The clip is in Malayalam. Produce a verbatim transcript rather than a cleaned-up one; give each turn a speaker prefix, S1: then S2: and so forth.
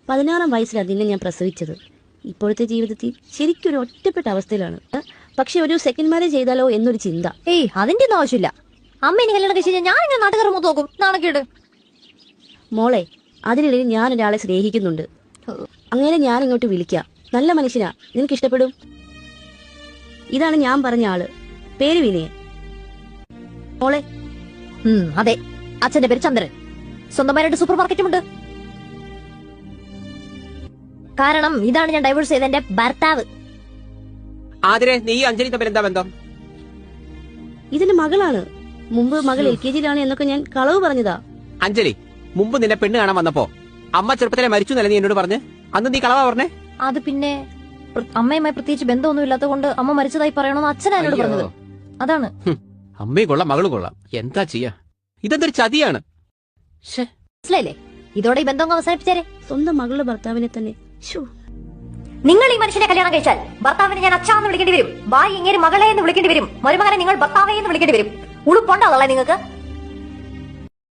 S1: പതിനാറാം വയസ്സിലാണ് നിന്നെ ഞാൻ പ്രസവിച്ചത്. ഇപ്പോഴത്തെ ജീവിതത്തിൽ ശരിക്കും ഒരു ഒറ്റപ്പെട്ട അവസ്ഥയിലാണ്. പക്ഷെ ഒരു സെക്കൻഡ് മാരേജ് ചെയ്താലോ എന്നൊരു ചിന്ത.
S2: ഏയ് അതിന്റെ ഒന്നും ആവശ്യമില്ല. അമ്മ ഇനി കല്യാണം കഴിച്ച് ഞാൻ ഇങ്ങനെ നാട്ടുകാർ മൊത്തം നോക്കും. നാണക്കേട്.
S1: മോളെ, അതിനിടയിൽ ഞാൻ ഒരാളെ സ്നേഹിക്കുന്നുണ്ട്. അങ്ങനെ ഞാൻ ഇങ്ങോട്ട് വിളിക്കാം. നല്ല മനുഷ്യനാ, നിനക്ക് ഇഷ്ടപ്പെടും. ഇതാണ് ഞാൻ പറഞ്ഞ ആള്, പേര് വിനയൻ. മോളെ.
S2: അതെ, അച്ഛന്റെ പേര് ചന്ദ്രൻ. സ്വന്തമായിട്ട് സൂപ്പർ മാർക്കറ്റും ഉണ്ട്. കാരണം ഇതാണ് ഞാൻ ഡൈവേഴ്സ് ചെയ്ത എന്റെ ഭർത്താവ്.
S3: ആതിരെ, നീ അഞ്ജലി തമ്മിൽ എന്താ ബന്ധം?
S1: ഇതിന്റെ മകളാണ്. മുമ്പ് മകൾ എൽ കെ ജിയിലാണ് എന്നൊക്കെ ഞാൻ കളവ് പറഞ്ഞതാ.
S3: അഞ്ജലി, മുമ്പ് നിന്നെ പെണ്ണ് കാണാൻ വന്നപ്പോ അമ്മ ചെറുപ്പത്തിലെ മരിച്ചു എന്നല്ലേ നീ എന്നോട് പറഞ്ഞ്? അന്ന് നീ കളവാ പറഞ്ഞേ?
S2: അത് പിന്നെ അമ്മയുമായി പ്രത്യേകിച്ച് ബന്ധമൊന്നും ഇല്ലാത്തത് കൊണ്ട് അമ്മ മരിച്ചതായി പറയണമെന്ന് അച്ഛനാ എന്നോട് പറഞ്ഞത്. അതാണ്.
S3: അമ്മയും കൊള്ളാം, മകളും കൊള്ളാം. എന്താ ചെയ്യാ? ഇതെന്തൊരു ചതിയാണ്.
S2: മനസ്സിലായില്ലേ? ഇതോടെ ഈ ബന്ധം അവസാനിപ്പിച്ചേരെ.
S1: സ്വന്തം മകളുടെ ഭർത്താവിനെ തന്നെ.
S2: നിങ്ങൾ ഈ മനുഷ്യനെ കല്യാണം കഴിച്ചാൽ ഭർത്താവിനെ ഞാൻ അച്ഛാന്ന് വിളിക്കേണ്ടി വരും. ഭാര്യ ഇങ്ങനെ മകളെ എന്ന് വിളിക്കേണ്ടി വരും. മരുമകനെ നിങ്ങൾ ഭർത്താവെ എന്ന് വിളിക്കേണ്ടി വരും. ഉളുപ്പുണ്ടാവുള്ള നിങ്ങൾക്ക്.